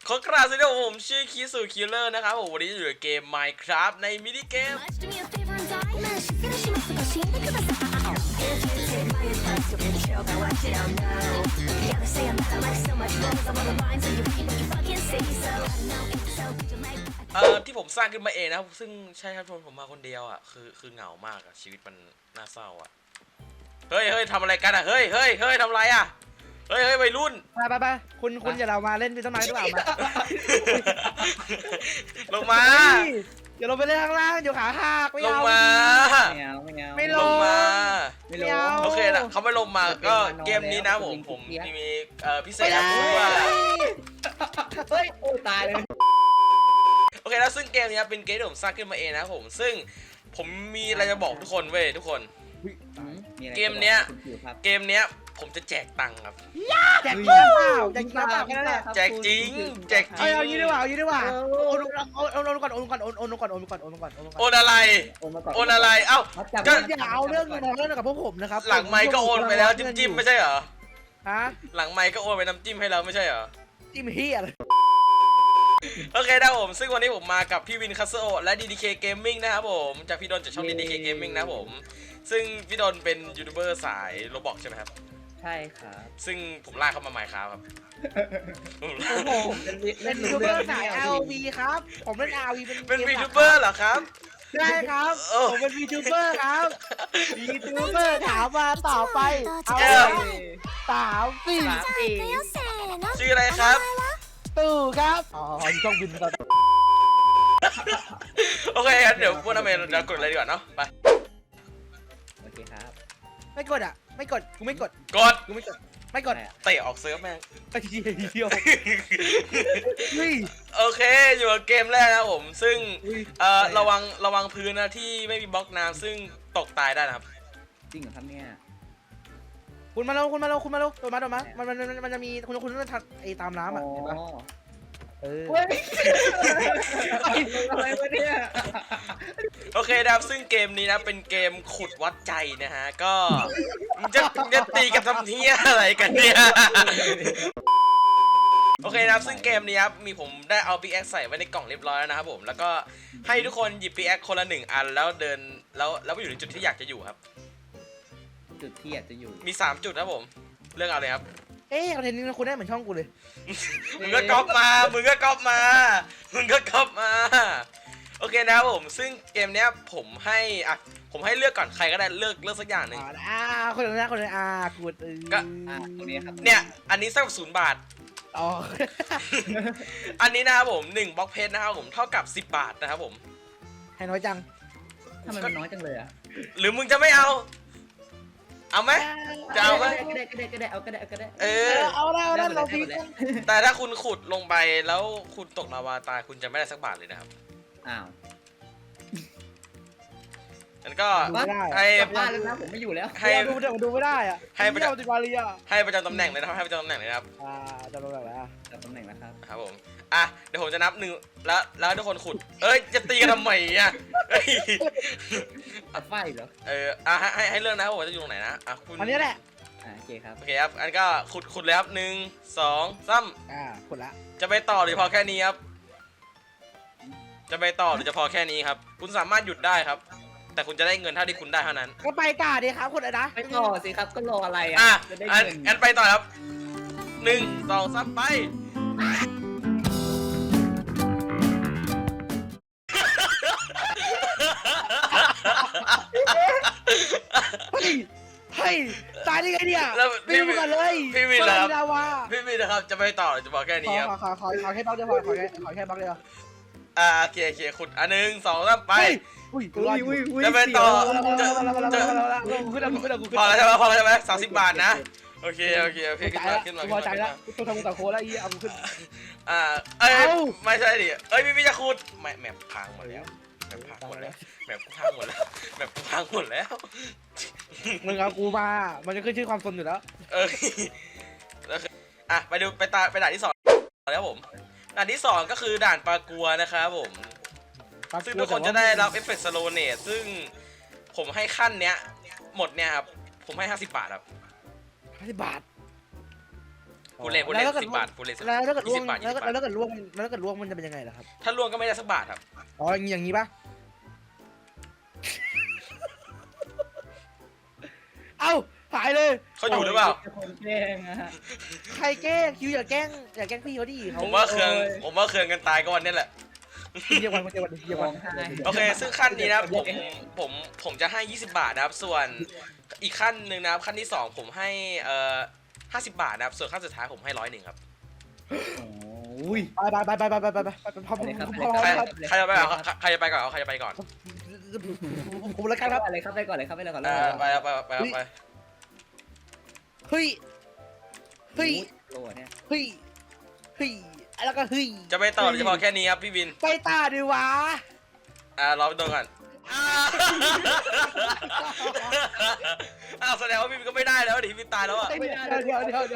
ขอกราบสวัสดีครับผมชื่อคิสุคิลเลอร์นะครับผมวันนี้อยู่ในเกม Minecraft ในมินิเกมที่ผมสร้างขึ้นมาเองนะครับซึ่งใช่ครับผมมาคนเดียวอ่ะคือเหงามากอ่ะชีวิตมันน่าเศร้าอ่ะเฮ้ยทำอะไรกันอ่ะเฮ้ยทำอะไรอ่ะเฮ้ยวัยรุ่นไปคุณอย่าเรามาเล่นต้นไม้ดีกว่ามาลงมาอย่าลงไปเล่นข้างล่างเดี๋ยวขาหักไม่เอาลงมาไม่ลลงงมาไม่เอาโอเคนะเขาไม่ลงมาก็เกมนี้นะผมมีพิเศษนะว่าเฮ้ยโอ้ตายเลยโอเคแล้วซึ่งเกมนี้เป็นเกมที่ผมสร้างขึ้นมาเองนะผมมีอะไรจะบอกทุกคนเว้ยทุกคนเกมเนี้ยผมจะแจกตังค์ครับแจกเปล่าแจกเปล่าแค่นั้นแหละแจกจริงเอายี่ดีกว่าโอนก่อนโอนอะไรเอ้าก็อย่าเอาเรื่องเงินเรื่องกับพวกผมนะครับหลังไมค์ก็โอนไปแล้วจิ้มไม่ใช่เหรอฮะหลังไมค์ก็โอนไปน้ำจิ้มให้เราไม่ใช่เหรอจิ้มเฮียเลยโอเคนะผมซึ่งวันนี้ผมมากับพี่วินคัสโอและ DDK Gaming นะครับผมจากพี่ดนจากช่อง DDK Gaming นะผมซึ่งพี่ดนเป็นยูทูบเบอร์สายโรบอกใช่ไหมครับใช่ครับซึ่งผมลากเข้ามาใหม่ครับผมเล่นยูทูบเบอร์สาย RV ครับผมเล่น RV เป็นยูทูบเบอร์เหรอครับใช่ครับผมเป็นยูทูบเบอร์ครับยูทูบเบอร์ถามมาต่อไปเอา3 4 ชื่ออะไรครับตู่ครับช่องบินครับโอเคงั้นเดี๋ยวพวกน้ำเมย์เรากดอะไรดีกว่าเนาะไปโอเคครับไม่กดอ่ะไม่กดกูไม่กดไม่กดเตะออกเซิร์ฟแม่งไอ้เหี้ยโอเคอยู่กับเกมแรกนะผมซึ่งระวังพื้นนะที่ไม่มีบล็อกน้ำซึ่งตกตายได้นะครับจริงเหรอครับเนี่ยคุณมาโดนมามันจะมีคุณต้องทัดไอ้ตามน้ำอ่ะเห็นปะอะไรวะเนี่ยโอเคนะครับซึ่งเกมนี้นะเป็นเกมขุดวัดใจนะฮะก็จะตีกับทำเที่ยอะไรกันเนี่ยโอเคนะครับซึ่งเกมนี้ครับผมได้เอาปิกแอคใส่ไว้ในกล่องเรียบร้อยแล้วนะครับผมแล้วก็ให้ทุกคนหยิบปิกแอคคนละ1 อันแล้วเดินแล้วไปอยู่ในจุดที่อยากจะอยู่ครับจุดที่อยากจะอยู่มี3 จุดครับผมเลือกเอาเลยครับคอนเทนต์นี้คุณได้เหมือนช่องกูเลยมึงก็ก๊อปมาโอเคนะครับผมซึ่งเกมเนี้ยผมให้เลือกก่อนใครก็ได้เลือกสักอย่างหนึ่งคนนึงกูก็ตรงนี้ครับเนี่ยอันนี้สัก0 บาทอันนี้นะครับผม1 บล็อกเพชรนะครับผมเท่ากับ10 บาทนะครับผมให้น้อยจังทำไมมันน้อยจังเลยอ่ะหรือมึงจะไม่เอาไหมจะเอาไหมก็ได้เอาได้เราพีแต่ถ้าคุณขุดลงไปแล้วคุณตกลาวาตายคุณจะไม่ได้สักบาทเลยนะครับอ้าวนั่นก็ให้บ้านแล้วนะผมไม่อยู่แล้วให้ดูไม่ได้อะให้ประจำตำแหน่งเลยนะครับให้ประจำตำแหน่งเลยครับจำตำแหน่งแล้วจำตำแหน่งนะครับครับผมเดี๋ยวผมจะนับ1แล้วทุกคนขุดจะตีกันทำไมอ่ะอัดไฟเหรอให้เรื่องนะผมจะอยู่ตรงไหนนะคุณอันนี้แหละโอเคครับอันก็ขุดเลยครับ1 2 3 ขุดละจะไปต่อหรือพอแค่นี้ครับจะไปต่อหรือจะพอแค่นี้ครับคุณสามารถหยุดได้ครับแต่คุณจะได้เงินเท่าที่คุณได้เท่านั้นก็ไปต่อดีครับคุณนะไปต่อสิครับก็รออะไรจะได้เงินงั้นไปต่อครับ1 2 3ไปตายได้ไงเนี่ยพี่วินก่อนเลยพี่วินนะครับจะไปต่อหรือจะพอแค่นี้ครับขอแค่บล็อกเดียวพอขอแค่บล็อกเดียวโอเคขุด1 2 3ไปจะไปต่อพอแล้วใช่ไหม30 บาทนะโอเคขึ้นมาพอใจแล้วต้องทำกับโค้ดแล้วเอาขึ้นไม่ใช่ดิพี่จะขุดแมปพังหมดแล้วแมปพังหมดแล้วมึงเอากูมามันจะขึ้นชื่อความสนอยู่แล้วไปดูไปด่านที่2แล้วผมด่านที่2ก็คือด่านปลากัวนะครับผมซึ่งทุกคนจะได้รับเอฟเฟกต์สโลเนตซึ่งผมให้ขั้นเนี้ยหมดเนี่ยครับผมให้50 บาทครับ 50 บาทพูดเล่น10 บาทพูดเล่นแล้วถ้าเกิดล่วง 20 บาทแล้วถ้าเกิดล่วงมันจะเป็นยังไงล่ะครับถ้าล่วงก็ไม่ได้สักบาทครับอ๋ออย่างนี้ปะเอ้าหายเลยเขาอยู่หรือเปล่าคนแกล้งอะใครแกล้งคิวอย่าแกล้งพี่เขาดิผมว่าเคืองกันตายก็วันนี้แหละเดียวกันเดียวกันเดียวร้กัอน งไห้โอเคซึ่งขั้นนี้นะผมจะให้20 บาทนะครับส่วนอีกขั้นหนึ่งนะครับขั้นที่2ผมให้50 บาทนะครับส่วนขั้นสุดท้ายผมให้100ครับโอ้ยไปพร้อมใครจะไปก่อนใครจะไปก่อนใครจะไปก่อนผมแล้วกันครับอะไรครับไปก่อนเลยครับไปเลยก่อนเลยไปเฮ้ยโลเนี่ยแล้วก็เฮ้ยจะไปต่อหรือจะพอแค่นี้ครับพี่วินไปตาดิวะรอไปตรงก่อนแสดงว่าพี่วินก็ไม่ได้แล้วดิพี่วินตายแล้วอ่ะเดี๋ยวไม่ทำ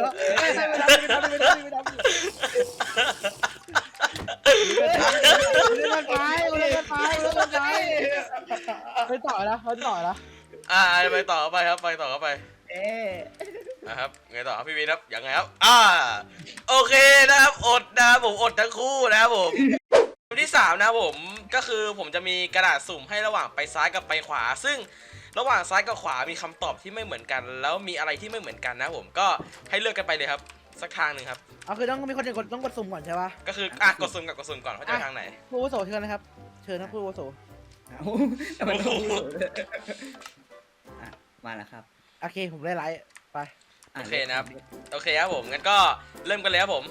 ไปต่อนะไปต่อไปครับไปต่อไป นะครับไงต่อครับพี่วินครับยังไงครับโอเคนะครับอดนะครับผมอดทั้งคู่นะครับผมที่3นะครับผมก็คือผมจะมีกระดาษสุ่มให้ระหว่างไปซ้ายกับไปขวา ซึ่งระหว่างซ้ายกับขวามีคำตอบที่ไม่เหมือนกัน แล้วมีอะไรที่ไม่เหมือนกันนะผมก็ให้เลือกกันไปเลยครับสักทางหนึ่งครับคือต้องมีคนต้องกดสุ่มก่อนใช่ปะก็คือกดสุ่มก่อนเขาจะไปทางไหนผู้วุโสเชิญนะครับเชิญนะผู้วุโสแต่มันต้องมาแล้วครับโอเคผมได้ไลฟ์ไปโอเคนะครับโอเคครับผมงั้นก็เริ่มกันเลยครับผม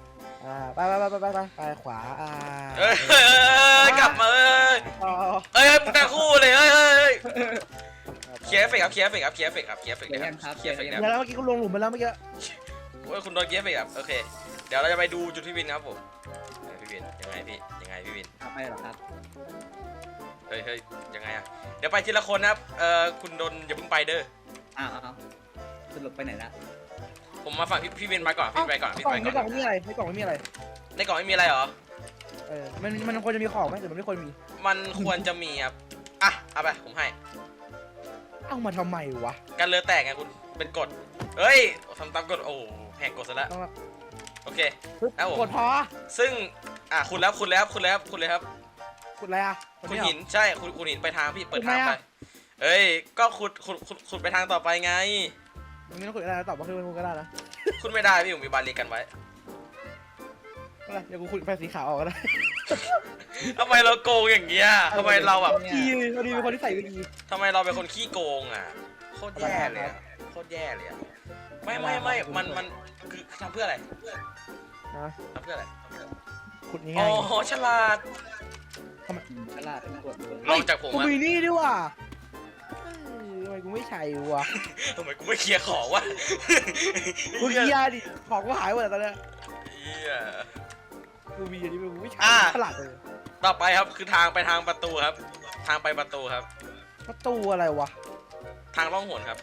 ไปขวากลับมาแต่คู่เลยเคลียร์เฟกครับเคลียร์เฟกครับเคลียร์เฟกครับเคลียร์เฟกนะครับเคลียร์เฟกนะครับแล้วเมื่อกี้ก็ลงหลุมไปแล้วเมื่อกี้คุณโดนเคลียร์เฟกครับโอเคเดี๋ยวเราจะไปดูจุดพี่วินนะครับผมพี่วินยังไงพี่วินไปหรอครับเฮ้ยยังไงอะเดี๋ยวไปทีละคนนะครับคุณโดนอย่าเพิ่งไปเด้อสรุปไปไหนละผมมาฝั่งพี่วินไปก่อนพี่ไปก่อนในกล่องไม่มีอะไรในกล่องไม่มีอะไรในกล่องไม่มีอะไรเหรอมันควรจะมีของไหมแต่มันไม่ควรมีมันควรจะมีครับเอาไปผมให้เอามาทำไมวะการเลือแตกไงคุณเป็นกฎเฮ้ยทำตามกฎโอ้แหกกฎซะแล้วโอเคแล้วผมกดพอซึ่งคุณแล้วเลยครับกดอะไรอ่ะคุณหินใช่คุณหินไปทางพี่เปิดทางไปเอ้ยก็ขุดไปทางต่อไปไงไม่ต้องกดอะไรตอบว่าคือมันก็ได้นะคุณไม่ได้พี่ผมมีบาลีกันไว้อะไรเดี๋ยวกูขุดไปสีขาวออกก็ได้ทำไมเราโกงอย่างเงี้ยทำไมเราแบบขี้พอดีเป็นคนที่ใส่ดีทำไมเราเป็นคนขี้โกงอ่ะโคตรแย่เลยอ่ะไม่มันคือทำเพื่ออะไรนะทำเพื่ออะไรขุดอ๋ง่ายอฉลาดฉลาดกดเลยลองจากผมกูอะมีนี่ด้วยว่ะทำไมกูไม่ใช่วะทำไมกูไม่เคลียร์ของวะกูเกียดิของกูหายหมดตอนนี้เหี้ยกูมีอันนี้กูไม่ใช่ฉลาดเลยต่อไปครับคือทางไปทางประตูครับ ทางไปประตูครับประตูอะไรวะทางล่องหนครับ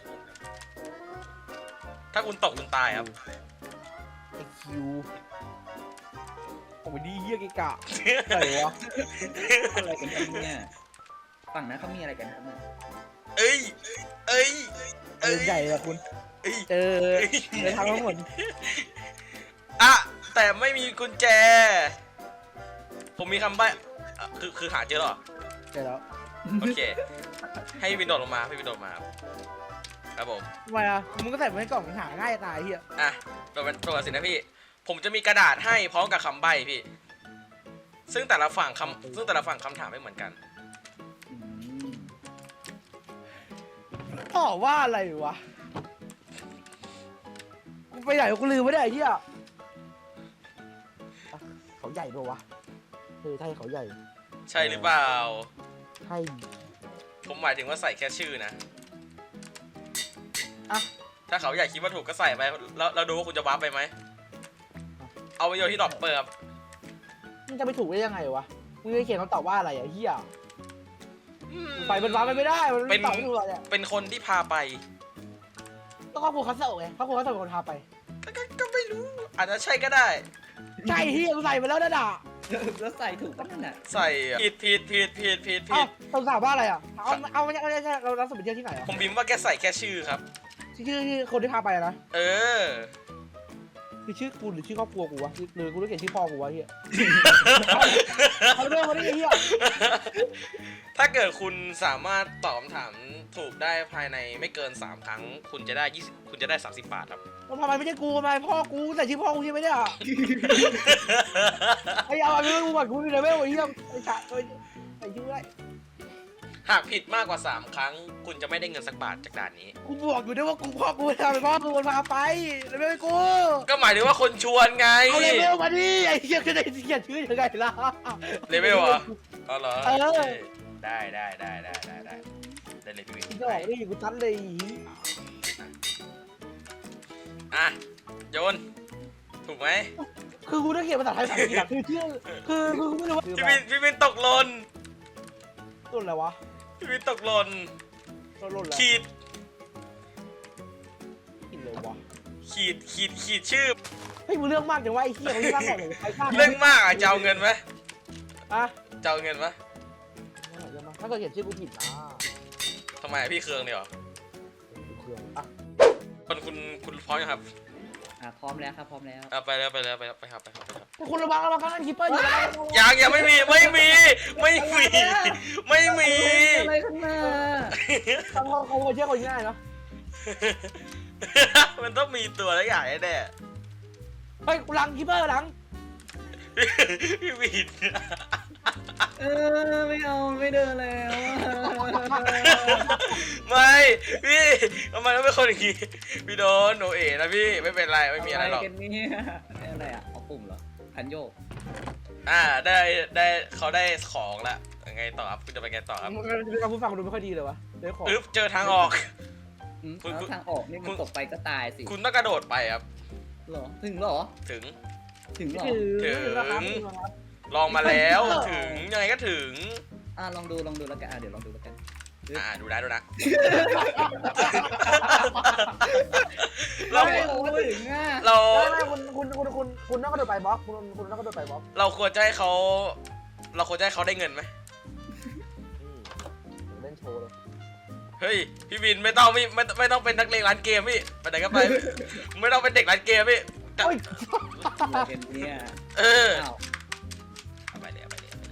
ถ้าคุณตกคุณตายครับไอคิวโอ้ยดีเยี่ยกิกะอะไรวะอะไรกันเนี่ยฝั่งนั้นเขามีอะไรกันครับเนี่ยเอ้ยใหญ่เลยคุณเจอในทางทั้งหมดแต่ไม่มีกุญแจ ผมมีคำใบ้คือหาเจอหรอเจอแล้วโอเค ให้วินโดดลงมาพี่วินโดดมาครับผมทำไมอ่ะมึงก็ใส่ไว้ในกล่องหาง่ายตายเฮียตัวสินะพี่ ผมจะมีกระดาษให้พร้อมกับคำใบ้พี่ ซึ่งแต่ละฝั่งคำถามไม่เหมือนกันตอบว่าอะไรวะกูไปไหนกูลืมไม่ได้เฮียเขาใหญ่ปะวะใช่เขาใหญ่ใช่หรือเปล่าใช่ผมหมายถึงว่าใส่แค่ชื่อนะอ่ะถ้าเขาอยากคิดว่าถูกก็ใส่ไปแล้วเราดูว่าคุณจะวาร์ปไปไหม เอาไปโยนที่ดรอปเปอร์ครับมึงจะไปถูกได้ยังไงวะมึงจะเขียนคำตอบว่าอะไรอ่ะเฮียไปเป็นว้าไปไม่ได้มันตอบไม่ถูกเลยเป็นคนที่พาไปต้องครอบครัวคัสเซิลไงครอบครัวคัสเซิลเป็นคนพาไปก็ไม่รู้ อาจจะใช่ก็ได้ใช่เฮียกูใส่ไปแล้วนะด่าแล้วใส่ถูกป่ะนั่นน่ะใส่ผิดเอ้าคำถามว่าอะไรอ่ะเอาไม่ใช่เราสมมติเที่ยวที่ไหนอ่ะผมพิมพ์ว่าแกใส่แค่ชื่อครับชื่อคนที่พาไปนะเออคือชื่อกูหรือชื่อครอบครัวกูวะหรือกูต้องเขียนชื่อพ่อกูวะเฮียเอาเรื่องมาดิเฮียถ้าเกิดคุณสามารถตอบคำถามถูกได้ภายในไม่เกิน3ครั้งคุณจะได้30 บาทครับทำไมไม่ใช่กูทำไมพ่อกูแต่ชื่อพ่อกูใช่ไหมเนี่ยไอ้เอาไปกูก่อนกูมีเลเวลไอ้เฮียไอ้ชาไอ้ชื่ออะไรหากผิดมากกว่า3ครั้งคุณจะไม่ได้เงินสักบาทจากด่านนี้กูบอกอยู่ด้วยว่ากูพ่อกูทำไปพ่อกูมันพาไปเลเวลให้กูก็หมายถึงว่าคนชวนไงเอาเลเวลมาดิไอ้เฮียจะได้เขียนชื่อยังไงล่ะเลเวลเหรออ๋อเหรอเออได้ได้เลยพี่วินกูจะบอกดิกูตันเลยอ่ะโยนถูกไหมคือกูต้องเขียนภาษาไทยภาษาอังกฤษคือชื่อคือกูไม่รู้ว่าพี่วินตกหล่นต้นอะไรวะพี่วินตกหล่นต้นอะไรขีดกินเลยวะขีดชื่อเฮ้ยมึงเรื่องมากจังวะไอ้เหี้ยมึงเรื่องมากเลยใครสร้างเรื่องมากอ่ะจะเอาเงินไหมอะจะเอาเงินไหมถ้าเกิดเขียนชื่อกูผิดนะทำไมพี่เคืองเนี่ยหรอเครื่องอ่ะคุณพร้อมยังครับพร้อมแล้วครับพร้อมแล้วไปครับคุณระวังกันคีเปอร์อยู่แล้วยังไม่มีไม่มีอะไรขึ้นมาทำเขาเชื่อคนง่ายเนาะมันต้องมีตัวอะไรอย่างแน่เฮ้ยกูหลังคีเปอร์หลังๆพี่วินไม่เอาไม่เดินแล้วไม่พี่ทำไมต้องเป็นคนอย่างงี้พี่โดนโนเอ๋นะพี่ไม่เป็นไรไม่มีอะไรหรอกกันเนี่ยอะไรอ่ะเอาปุ่มเหรอคันโยกได้เขาได้ของละยังไงต่อครับคุณจะไปไงต่อครับเราผู้ฟังดูไม่ค่อยดีเลยวะเดี๋ยวขอเจอทางออกแล้วทางออกนี่มันตกไปก็ตายสิคุณต้องกระโดดไปครับหรอถึงหรอถึงถึงหรอลองมาแล้วถึงยังไงก็ถึงลองดูแล้วกันเดี๋ยวลองดูแล้วกันดูนะเราถึงอ่ะเราคุณต้องกระโดดไปบล็อกคุณต้องกระโดดไปบล็อกเราควรจะให้เขาได้เงินไหมเล่นโชว์เลยเฮ้ยพี่วินไม่ต้องเป็นนักเลงร้านเกมพี่ไปไหนก็ไป ไม่ต้องเป็นเด็กร้านเกมพี่เป็นเนี่ยเอาไปเลย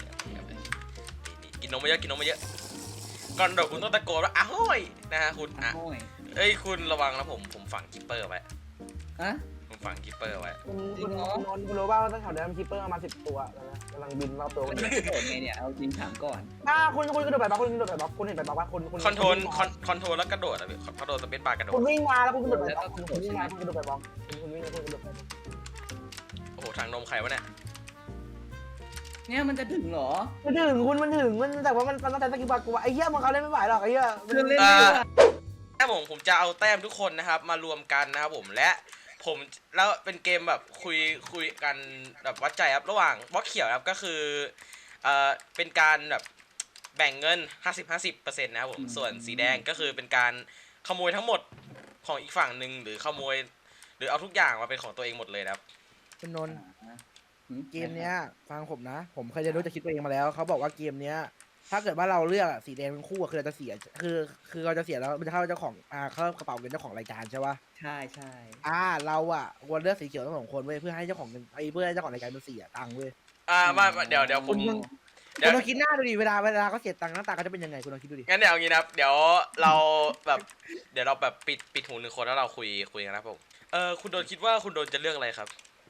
กินนมมาเยอะก่อนเดี๋ยวคุณต้องตะโกนว่าอ้าวนะฮะคุณอ่ะเอ้ยคุณระวังนะผมฝังคิปเปอร์ไว้ผมฝังคิปเปอร์ไว้คุณรู้ว่าตั้งแถวเดิมคีเปอร์มา10 ตัวแล้วนะกำลังบินรอบตัวมันจะโดดไงเนี่ยเอาจริงถามก่อนคุณกระโดดไปบล็อกคุณเห็นไปบล็อกว่าคุณคอนโทรลแล้วกระโดดอ่ะพี่คอนโทรลสเปซบาร์กระโดดคุณวิ่งมาแล้วคุณกระโดดไปบล็อกคุณวิ่งมาคุณกระโดดไปบล็อกคุณวิ่งแล้วคุณกระโดดไปบล็อกโอ้โหทางนมใครวะเนี่ยเนี่ยมันจะถึงหรอมันถึงแต่ว่ามันต้องใช้สกิลบาร์กูไอ้เหี้ยมันเขาเล่นไม่ไหวหรอกไอ้เหี้ยคือเล่นผมจะเอาแต้มทุกคนนะครับมารวมกันนะครับผมแล้วเป็นเกมแบบคุยกันแบบวัดใจครับระหว่างบล็อกเขียวครับก็คือเป็นการแบบแบ่งเงิน 50% นะครับผมส่วนสีแดงก็คือเป็นการขโมยทั้งหมดของอีกฝั่งหนึ่งหรือขโมยหรือเอาทุกอย่างมาเป็นของตัวเองหมดเลยนะครับคุณนนท์เกมเนี้ยฟังผมนะผมเคยจะรู้จะคิดตัวเองมาแล้วเขาบอกว่าเกมเนี้ยถ้าเกิดว่าเราเลือกสีแดงเป็นคู่คือเราจะเสียคือเราจะเสียแล้วมันจะเข้าเจ้าของเข้ากระเป๋าเงินเจ้าของรายการใช่ปะใช่เราควรเลือกสีเขียวทั้ง2 คนเว้ยเพื่อให้เจ้าของเงินเพื่อให้เจ้าของรายการมันเสียตังค์เว้ยมาเดี๋ยวผมคุณลองคิดหน้าดูดิเวลาเขาเสียตังค์หน้าตาเขาจะเป็นยังไงคุณลองคิดดูดิงั้นเดี๋ยวอย่างนี้นะครับเดี๋ยวเราแบบปิดหู1 คนแล้วเราคุยกันนะครับผมคุณโดนคิดว่าคุณโดนจะเลือกอะไรครับ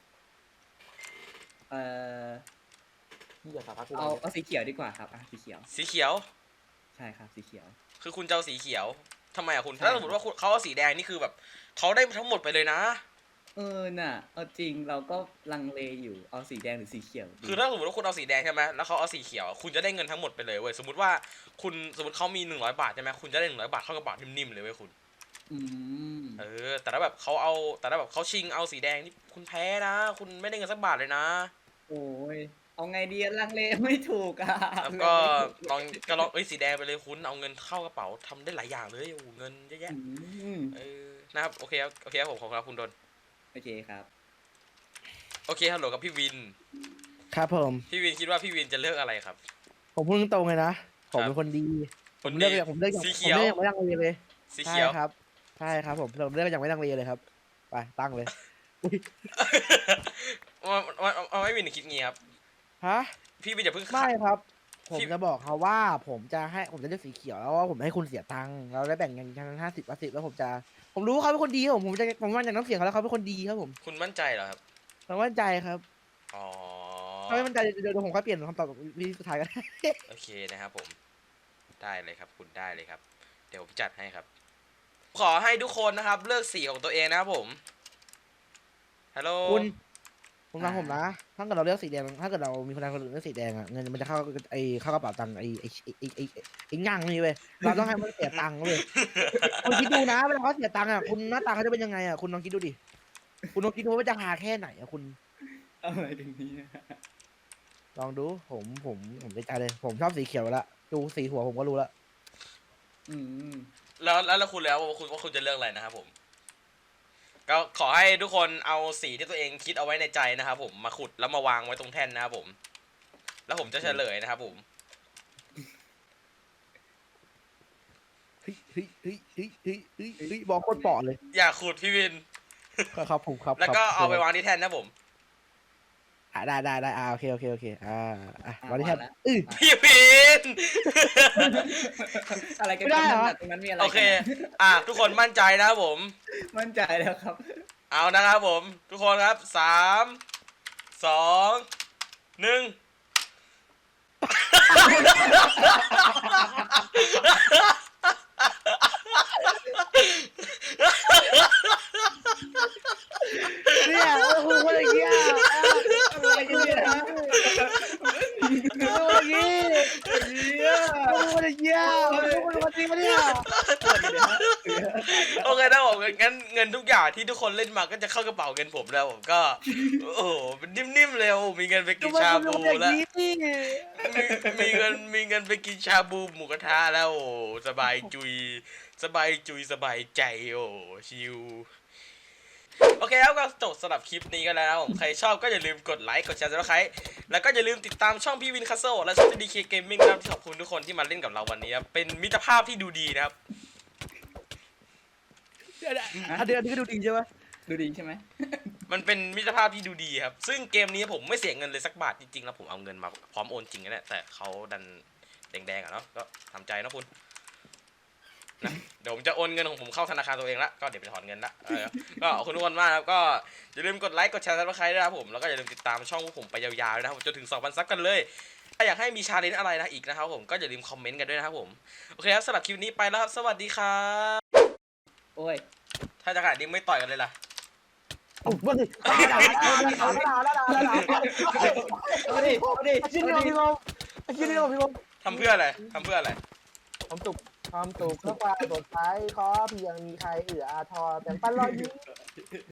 เอาสีเขียวดีกว่าครับสีเขียวสีเขียวใช่ครับสีเขียวคือคุณจะเอาสีเขียวทำไมอะคุณถ้าสมมติว่าเขาเอาสีแดงนี่คือแบบเขาได้ทั้งหมดไปเลยนะน่ะเอาจริงเราก็ลังเลอยู่เอาสีแดงหรือสีเขียวคือถ้าสมมติว่าคุณเอาสีแดงใช่ไหมแล้วเขาเอาสีเขียวคุณจะได้เงินทั้งหมดไปเลยเว้ยสมมติว่าเขามี100 บาทใช่ไหมคุณจะได้100 บาทเข้ากระเป๋านิ่มๆเลยเว้ยคุณแต่ถ้าแบบเขาชิงเอาสีแดงนี่คุณแพ้นะคุณไม่ได้เงินสักบาทเลยนะโอ้ยเอาไงดีลังเลไม่ถูกแล้วก็ลองสีแดงไปเลยคุณเอาเงินเข้ากระเป๋าทำได้หลายอย่างเลยโอ้เงินเยอะแยะนะครับโอเคครับผมขอบคุณครับคุณดนโอเคครับโอเคฮัลโหลกับพี่วินครับผมพี่วินคิดว่าพี่วินจะเลือกอะไรครับผมพูดตรงเลยนะผมเป็นคนดีผมเลือกสีเขียวไม่ลังเลเลยสีเขียวครับใช่ครับผมเลือกอย่างไม่ลังเลเลยครับไปตั้งเลยมันไม่มีหนึ่งคิดงี้ครับฮะพี่วินอย่าเพิ่งไม่ครับ ผมพี่จะบอกเขาว่าผมจะเลือกสีเขียวแล้วว่าผมให้คุณเสียตังค์เราได้แบ่งกัน50-50แล้วผมรู้ว่าเขาเป็นคนดีครับผมว่าจากน้ำเสียงเขาแล้วเขาเป็นคนดีครับผมคุณมั่นใจเหรอครับผมมั่นใจครับอ๋อถ้าไม่มั่นใจเดี๋ยวผมค่อยเปลี่ยนคำตอบวิธีสุดท้ายกันโอเคนะครับผมได้เลยครับคุณได้เลยครับ เดี๋ยวผมจัดให้ครับ ขอให้ทุกคนนะครับ เลือกสีของตัวเองนะครับผมฮัลโหลคุณฟังผมนะ ถ้าเกิดเราเลือกสีแดงถ้าเกิดเรามีพนักงานคนอื่นเลือกสีแดงอะเงินมันจะเข้ากระเป๋าตังค์ไอ้งั่งนี่เว้ยเราต้องให้มันเสียตังค์เว้ยคุณคิดดูนะเวลาเขาเสียตังค์อะคุณหน้าตาเขาจะเป็นยังไงอะคุณลองคิดดูดิคุณลองคิดดูว่าจะหาแค่ไหนอะคุณอะไรถึงนี้ลองดูผมใจเลย ผมชอบสีเขียวละดูสีหัวผมก็รู้ละอืมแล้วคุณแล้วว่าคุณจะเลือกอะไรนะครับผม ก็ขอให้ทุกคนเอาสีที่ตัวเองคิดเอาไว้ในใจนะครับผมมาขุดแล้วมาวางไว้ตรงแท่นนะครับผม แล้วผมจะเฉลยนะครับผมเฮ้ยบอกโคตรปอดเลยอย่าขุดพี่วินครับผมครับแล้วก็เอาไปวางที่แท่นนะผมได้โอเควันนี้แทบพี่วินอะไรกันไม่ได้เหรอตรงนั้นมีอะไรโอเค ทุกคนมั่นใจนะครับผมมั่นใจแล้วครับเอานะครับผม ทุกคนครับ3 2 1 เนี่ยคุณคนอย่างเงี้ยอะไรกันเนี่ยฮะคุณอย่างงี้คุณอย่างเงี้ยคุณจริงปะเนี่ยโอเคนะผมงั้นเงินทุกอย่างที่ทุกคนเล่นมาก็จะเข้ากระเป๋าเงินผมแล้วผมก็ โอ้โหมันนิ่มๆเลยโอ้มีเงินไปกินชาบูแล้วมีเงินไปกินชาบูหมูกระทะแล้วโอ้สบายจุยสบายใจโอ้ชิวโอเคครับก็จบสำหรับคลิปนี้กันแล้วนะครับผมใครชอบก็อย่าลืมกดไลค์กดแชร์Subscribeแล้วก็อย่าลืมติดตามช่องพี่วินคัสเซิลและช่อง DK Gaming นะครับขอบคุณทุกคนที่มาเล่นกับเราวันนี้ครับเป็นมิตรภาพที่ดูดีนะครับอันนี้ก็ดูดีใช่ไหมดูดีใช่ไหมมันเป็นมิตรภาพที่ดูดีครับซึ่งเกมนี้ผมไม่เสียเงินเลยสักบาทจริงๆแล้วผมเอาเงินมาพร้อมโอนจริงนะเนี่ยแต่เขาดันแดงๆอ่ะเนาะก็ทำใจนะคุณนะเดี๋ยวผมจะโอนเงินของผมเข้าธนาคารตัวเองละก็เดี๋ยวไปถอนเงินละก็ขอบคุณทุกคนมากครับก็อย่าลืมกดไลค์กดแชร์ซับสไครต์ด้วยนะครับผมแล้วก็อย่าลืมติดตามช่องพวกผมไปยาวๆนะครับจนถึง 2,000 ซับกันเลยถ้าอยากให้มีชาเลนจ์อะไรนะอีกนะครับผมก็อย่าลืมคอมเมนต์กันด้วยนะครับผมโอเคครับสำหรับคลิปนี้ไปแล้วครับสวัสดีครับโอ้ยถ้าจะขนาดนี้ไม่ต่อยกันเลยล่ะมาดิด่าชิ้นเดียวพี่บอมทำเพื่ออะไรความสุขเพื่อความสดใสขอเพียงมีใครเอื้ออาทรแต่งปันรอยยิ้ม